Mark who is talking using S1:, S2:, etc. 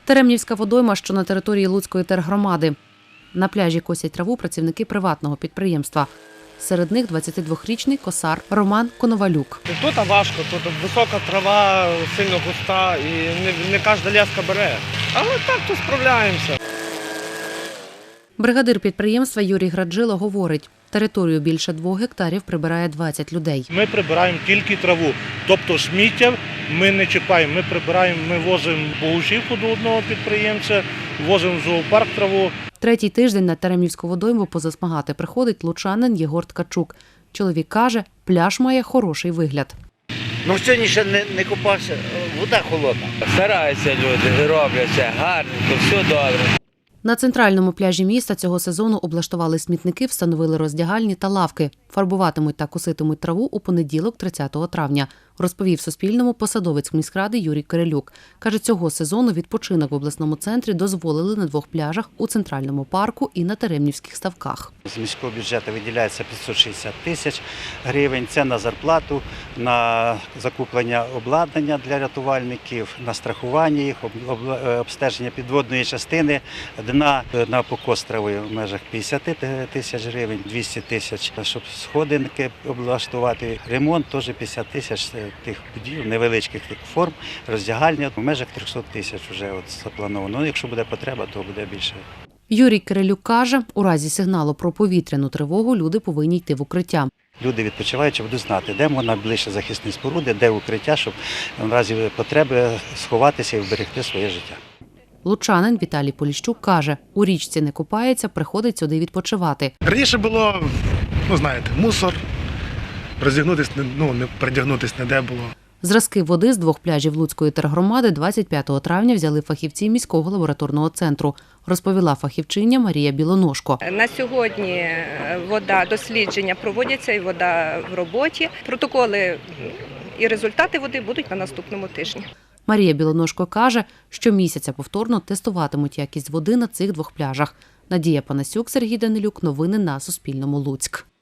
S1: Теремнівська водойма, що на території Луцької тергромади. На пляжі косять траву працівники приватного підприємства. Серед них 22-річний косар Роман Коновалюк.
S2: Тут важко, тут висока трава, сильно густа і не кожна леска бере. Але так то справляємося.
S1: Бригадир підприємства Юрій Граджило говорить, територію більше 2 гектарів прибирає 20 людей.
S3: Ми прибираємо тільки траву, тобто сміття ми не чіпаємо. Ми прибираємо, ми возимо богушівку до одного підприємця, возимо в зоопарк траву.
S1: Третій тиждень на Теремнівську водойму позасмагати приходить лучанин Єгор Ткачук. Чоловік каже, пляж має хороший вигляд.
S4: Сьогодні ще не купався, вода холодна.
S5: Стараються люди, роблять все гарненько, все добре.
S1: На центральному пляжі міста цього сезону облаштували смітники, встановили роздягальні та лавки. Фарбуватимуть та коситимуть траву у понеділок, 30 травня, розповів Суспільному посадовець міськради Юрій Кирилюк. Каже, цього сезону відпочинок в обласному центрі дозволили на 2 пляжах у Центральному парку і на Теремнівських ставках.
S6: З міського бюджету виділяється 560 тисяч гривень. Це на зарплату, на закуплення обладнання для рятувальників, на страхування їх, обстеження підводної частини, дна на покос трави в межах 50 тисяч гривень, 200 тисяч, щоб сходинки облаштувати. Ремонт теж 50 тисяч тих будівель, невеличких тих форм, роздягальня в межах 300 тисяч вже заплановано. Якщо буде потреба, то буде більше.
S1: Юрій Кирилюк каже, у разі сигналу про повітряну тривогу люди повинні йти в укриття.
S6: Люди відпочиваючи будуть знати, де можна ближче захисні споруди, де укриття, щоб в разі потреби сховатися і вберегти своє життя.
S1: Лучанин Віталій Поліщук каже, у річці не купається, приходить сюди відпочивати.
S7: Раніше було, мусор, роздягнутися, не передягнутися ніде було.
S1: Зразки води з 2 пляжів Луцької тергромади 25 травня взяли фахівці міського лабораторного центру, розповіла фахівчиня Марія Білоножко.
S8: На сьогодні дослідження проводяться і вода в роботі. Протоколи і результати води будуть на наступному тижні.
S1: Марія Білоножко каже, що місяця повторно тестуватимуть якість води на цих 2 пляжах. Надія Панасюк, Сергій Данилюк. Новини на Суспільному. Луцьк.